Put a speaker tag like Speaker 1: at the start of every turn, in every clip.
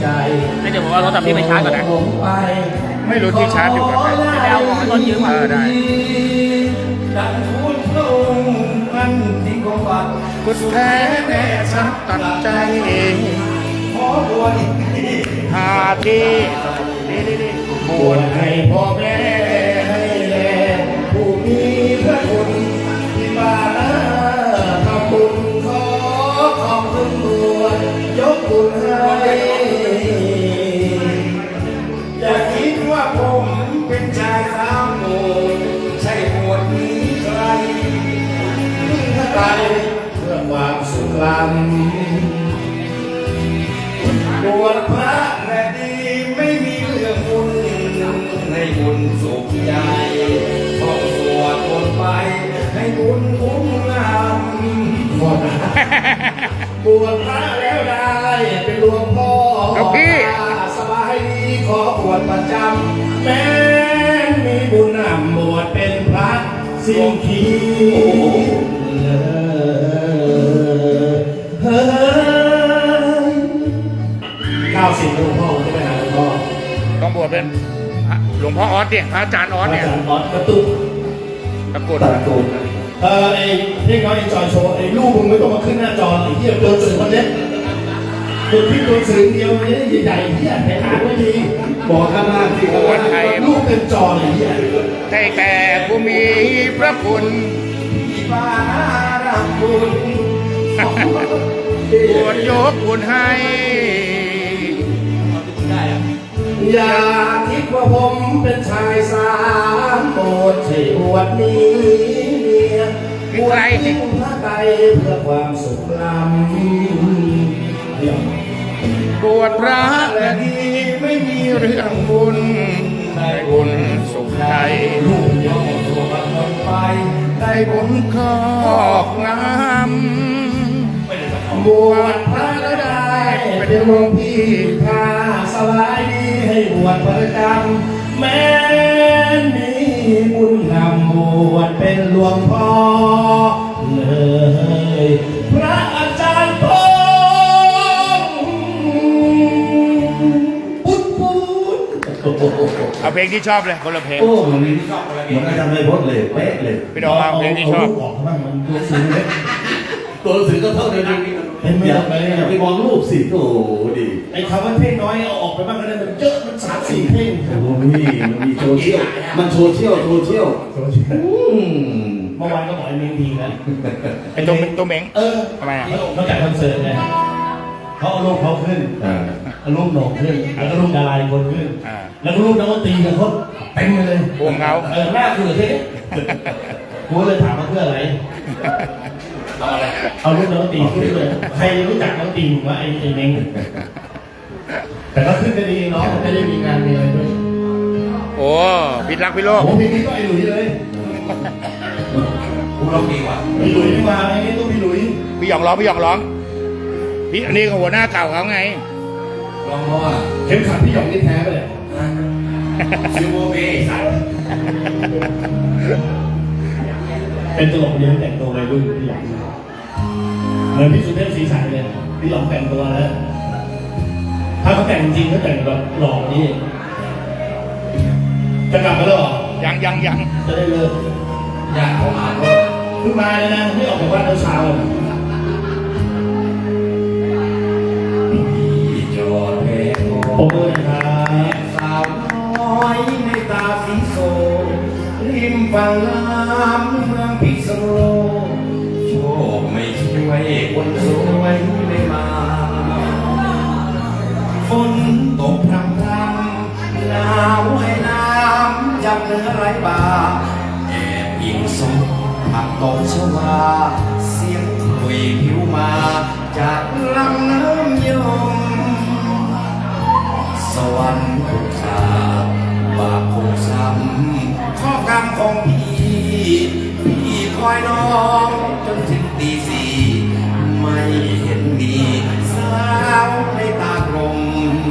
Speaker 1: ให้เดี๋ยวผมเอาโทรศัพท์พี่ไปชาร์จก่อนนะไม่รู้ที่ชาร์จอยู่กับใครแล้วของต้นยืมมาได้คุณแท้แน่ฉันตัดใจหาที่บวชให้พ่อแม่ให้แลผู้มีพระคุณที่มาทำบุญขอขอบคุณบวชยกบุญให้อย่าคิดว่าผมเป็นชายสามโมใช่บวชนี้ใครใครเพื่อความสุขล้ำบวชพระและดีไม่มีเรื่องบุญให้บุญสุขใจท่องสวดมนต์ไปให้บุญคุ้มงำบวชพระแล้วได้เป็นหลวงพ่อสบายดีขอบวชประจำแม้มีบุญนำบวชเป็นพระสิ่งที่90หลวงพ่อใช่ไหมหลวงพ่อต้องบวชเป็นหลวงพ่อออสเนี่ยพระอาจารย์ออสเนี่ยออสกระตุกตะกุดไอ้ที่เขาไอ้จอยโชว์ไอ้ลูกมึงไม่ต้องมาขึ้นหน้าจอไอ้เหี้ยตัวสื่อคนเนี้ยตัวพี่ตัวสื่อเดียวเนี่ยใหญ่ๆเหี้ยไปหาไม่ดีบอกข้างล่างสิว่าลูกเป็นจอไอ้เหี้ยแต่ผู้มีพระคุณบารบุญบวชยกบุญให้อย่าคิดว่าผมเป็นชายสามโปรดให้บวชนี้บวชที่คุณพระไตรเพื่อความสุขล้ำบวชพระและดีไม่มีเรื่องบุญได้บุญสุขใจลูกยอมตัวคนไปได้บุญครอบงำบวชพระและได้เป็นหลวงพี่พาสบายดีให้บวชประจำแม้มีบุญนำบวชเป็นหลวงพ่อเลยพระอาจารย์พงษ์ปุ๊ดเอาเพลงที่ชอบเลยคนละเพลง
Speaker 2: โอ้มันมีที่ชอบคนละเพลงมันอาจารย์ไม่พดเลยเป๊ะเลย
Speaker 1: พี่น้องเอาเพลงที่ชอบ
Speaker 2: บอกบ้างมันตัวสื่อเล็กตัวสื่อก็เท่าเดิมอย่าไปมองรูปสิโอ้ดี
Speaker 3: ไอ้คำว่าเพลงน้อยเอาออกไปบ้างก็ได้มันเยอะมัน3-4เพลง
Speaker 2: โอ้ยมันมีโซเชียลมันโซเชียลเ
Speaker 3: มื่อวานก็บอกไอ้เม้งดีนะ
Speaker 1: ไอ้ตัวเม้งทำไม
Speaker 3: นอกจากคอนเสิร์ตเนี่ยเขาเอารูปเขาขึ้นเอารูปโหน่งขึ้นแล้วก็รูปดาราคนขึ้นแล้วก็รูปนักดนตรีกันเขาเต็มเลย
Speaker 1: พวงเขา
Speaker 3: หน้าคือที่กูเลยถามว่าเพื่ออะไรเอารูปนักดนตรีขึ้นเลยใครรู้จักนักดนตรีว่าไอ้เม้งแต่ก็ขึ้นได้ดีเนาะไม่ได้มีงานมีอะไรด้วย
Speaker 1: โอ้พิรักพี่โลก
Speaker 3: โอ้พี่ก็ไอ้หลุยเลย
Speaker 2: กูร้องดีกว่า
Speaker 3: พี่หลุยไม่มาไอ้นี่ต้องพี่หลุย
Speaker 1: พี่หยองร้องพี่อันนี้ก็หัวหน้าเก่าเขาไง
Speaker 2: ร้องเพราะว่า
Speaker 3: เข็มขัดพี่หยองนี่แท้ไปเลย
Speaker 2: ซิวโบเบ้สัตว์
Speaker 3: เป็นตลกเลี้ยงแต่งตัววัยรุ่นพี่หยองเหมือนพี่สุเทพศรีใสเลยพี่หยองแต่งตัวแล้วถ้าเขาแต่งจริงเขาแต่งแบบหล่อนี่จะกลับมาแล้วหรอ
Speaker 1: ยัง
Speaker 3: จะได้เลิก
Speaker 2: อยากเขามา
Speaker 3: เพิ่งมาเลยนะไม่ออกจากบ้านเช้า
Speaker 2: จอดเพลง
Speaker 3: โอ้ยครับ
Speaker 2: สาวน้อยในตาสีโซริมฝั่งน้ำเมืองพิษณุโลกโชคไม่ช่วยคนสวยไม่มาฝนตกพรำหนาวให้น้ำจับเนื้อไร้บาแอบยิงสมผักตกชวาเสียงคุยผิวมาจากลำน้ำยมสวรรค์ถูกสาบบาปคงซ้ำข้อกรรมของพี่คอยน้องจนถึงตีสี่ไม่เห็นมีสาวในตากลม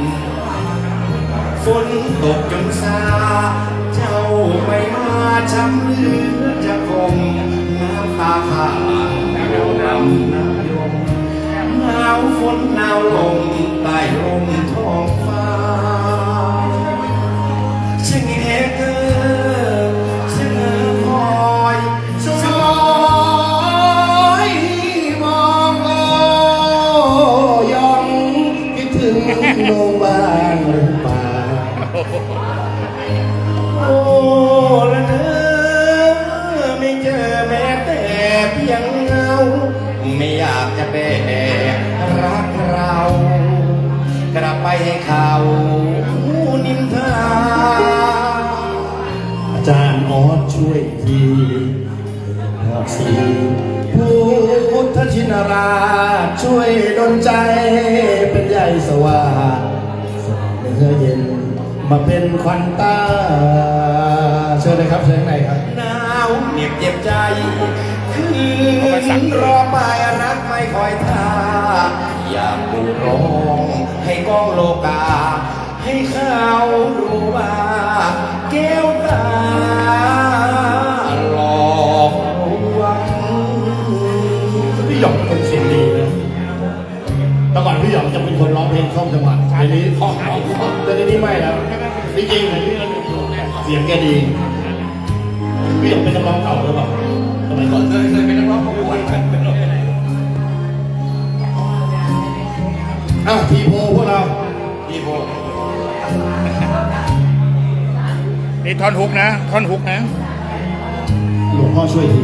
Speaker 2: ฝนตกจนซาเจ้าไม่มาช้ำเหลือจะคมน้ำตาผ่านเดียวดำน้ำยมหนาวฝนหนาวลมใต้ลมท้อง
Speaker 1: สีพุทธชินราชช่วยดลใจเป็นใหญ่สว่างเนื้อเย็นมาเป็นควันตาเชิญเลยครับเชิญข้างในครับ
Speaker 2: หนาวเหน็บเจ็บใจ คืนรอไปรักไม่คอยท่า อยากดูร้องให้กองโลกา ให้เขารู้ว่า แก้วตาหลอกลวง
Speaker 1: พี่หยองเป็นคนเสียงดีนะแต่ก่อนพี่หยองจะเป็นคนร้องเพลงคล่อมจังหวัดเดี๋ยวนี้คล่อมแต่เดี๋ยวนี้ไม่แล้วจริงๆเสียงแกดีพี่หยองเป็นนักร้องเก่าหรือเปล่าสมัยก่อน
Speaker 2: เคยเป็นนักร้องประกวด
Speaker 1: ทีโพพวกเรา
Speaker 2: พี่โบ
Speaker 4: นี่ท่อนฮุกนะท่อนฮุกนะ
Speaker 1: หลวงพ่อช่วยที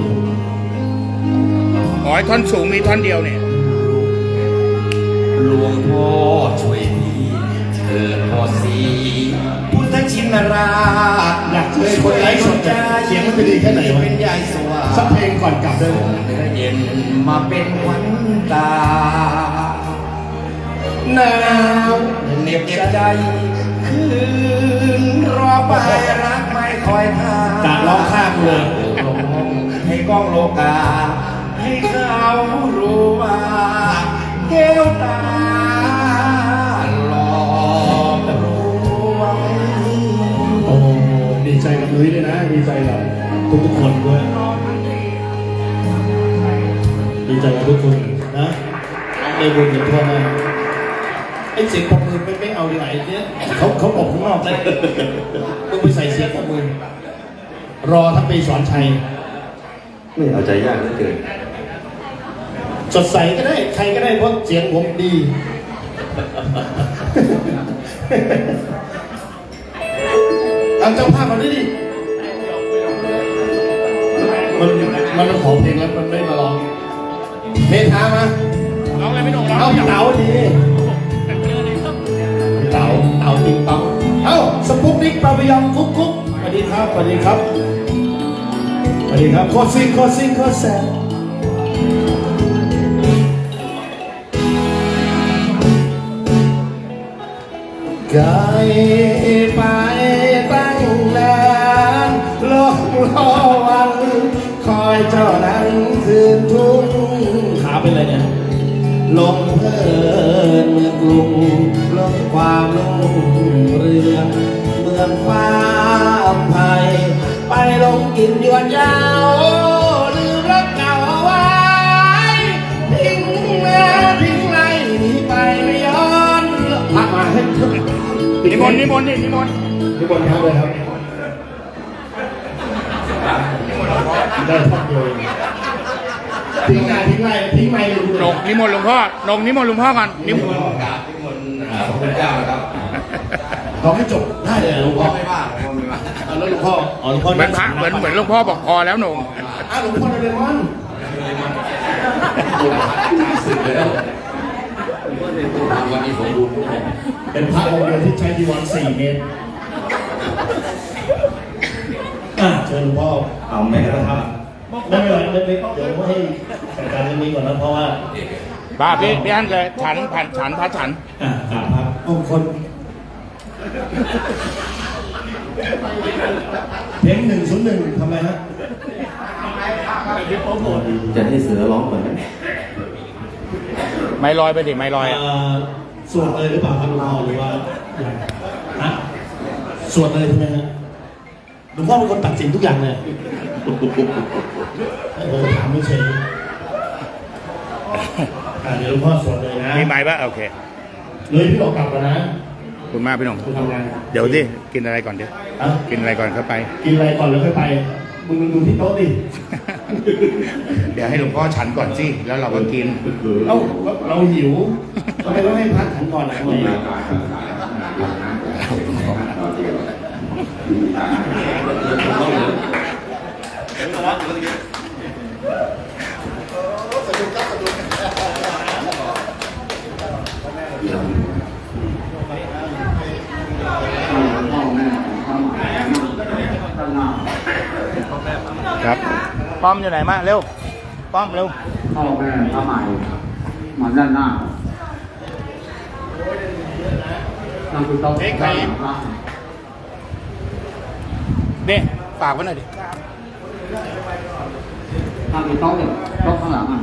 Speaker 4: ขอให้ท่อนสูงมีท่อนเดียวเนี่ย
Speaker 2: หลวงพ่อช่วยทีเถิดพ่อสีพุทธชินราช
Speaker 1: อยากเจอคนไลฟ์สดจะเสียงมันจะดีแค่ไหนวะ
Speaker 2: เป็นใหญ่สว่าง
Speaker 1: สักเพลงก่อนกลับได้ไหม
Speaker 2: เนื้อเย็นมาเป็นขวัญตา
Speaker 1: หนาว
Speaker 2: เหน็บเจ็บใจ คืนรอไปรักไม่คอยท่า
Speaker 1: จะร้องข้ามเลย
Speaker 2: ลงให้กล้องโลกา ให้เขารู้ว่าแก้วตาหลอกลวง
Speaker 1: โอ้ดีใจกับนุ้ยด้วยนะ ดีใจกับทุกคนด้วย ดีใจกับทุกคนนะได้บุญกันทั่วหน้าไอ้เสียงปรบมือไม่เอาดีไหนเนี่ยเขาปรบข้างนอกเลยต้องไปใส่เสียงปรบมือรอทั้งปีสอนชัย
Speaker 5: ไม่เอาใจยากเหลือเกิน
Speaker 1: สดใสก็ได้ ใครก็ได้เพราะเสียงผมดีทางเจ้าภาพมาด้วยดิมันขอเพลงแล้วมันไม่มาร้องเมธามา
Speaker 4: ร้องอะไรไม่หนกร้อง
Speaker 1: เอาเต๋าดีเต๋าติ๊งต๊อกเอ้าสปุกนิกปาปยองกุ๊กกุ๊กสวัสดีครับสวัสดีครับสวัสดีครับโคตรซิงโคตรซิงโคตรแซ่บไกลไปตั้งนานรอวันคอยเจ้านั้นคืนทุ่งขาเป็นไรเนี่ยลงเพลินเมืองกรุงลงความรุ่งเรืองเมืองฟ้าไผ่ไปลงกินยวนยาวลืมรักเก่าเอาไว้ทิ้งเนื้อทิ้งไรหนีไปไม่ย้อนพักมาให้
Speaker 4: นิมนต์นิมนต์นิมนต์
Speaker 1: นิมนต์ครับเลยครับได้ท่อนเดียวทิ้งไรทิ้งไม่เลย
Speaker 4: หนกนิมนต์หลวงพ่อหนกนิมนต์หลวงพ่อก่อนนิมนต์
Speaker 2: กราบที่มนต์พระคุณเจ้านะครับ
Speaker 1: ร้องให้จบได้เลยหลวงพ่อ
Speaker 2: ไม่ว่าไม่ว่า
Speaker 1: แล้วหลวงพ่อหลวงพ่อ
Speaker 4: เหมือนพระเหมือนหลวงพ่อบอกพอแล้วหนง
Speaker 1: หลวงพ่อเดมอน
Speaker 2: สึกเลยแล้ววันนี้ผมดู
Speaker 1: เป็นพระองค์เดียวที่ใช้จีวร4 เมตรเชิญหลวงพ่อ
Speaker 5: เอาแม่ก็ท
Speaker 1: ไม่เป็นไรเดี๋ยวให้จัดการเรื่องนี้ก่อนนะเพราะว่า
Speaker 4: บ้าพี่อันเลยฉันพระฉัน
Speaker 1: กราบครับองค์คนเพลง101ทำไมฮะ
Speaker 5: ำจะให้เสือร้องก่อนไหม
Speaker 4: ไม่ลอยไปดิไม่ลอยอ่ะ
Speaker 1: สวดเลยหรือเปล่าครับหลวงพ่อหรือว่าฮะสวดเลยใช่ไหมฮะหลวงพ่อเป็นคนตัดสินทุกอย่างเลยถามไม่เฉยเดี๋ยวหลวงพ่อสวดเลยนะ
Speaker 4: มีไม้ปะโอเค
Speaker 1: เลยพี่ออกกลับแล้วนะ
Speaker 4: ขอบคุณมากพี่หนง
Speaker 1: คุณทำงาน
Speaker 4: เดี๋ยวดิกินอะไรก่อนดิ
Speaker 1: อะ
Speaker 4: กินอะไรก่อนเข้าไป
Speaker 1: กินอะไรก่อนแล้วค่อยไปมึงดูที่โต๊ะดิ
Speaker 4: เดี๋ยวให้หลวงพ่อฉันก่อนสิแล้วเราก็กิน
Speaker 1: เอ้าเราหิวทำไมต้องให้พักฉันก่อนนะทำไม
Speaker 4: ครับป้อมอยู่ไหนมาเร็วป้อมเร็ว
Speaker 6: พ่อแม่พระใหม่มาด้านหน้านั่งคือโต๊ะด้านหลังพระ
Speaker 4: เนี่ยฝากไว้หน่อยดิ
Speaker 6: นั่งคือโต๊ะเนี่ยโต๊ะข้างหลังอ่ะ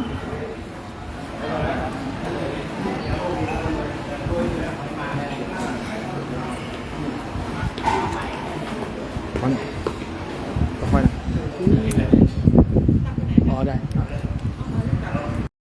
Speaker 4: ค่อยๆนะ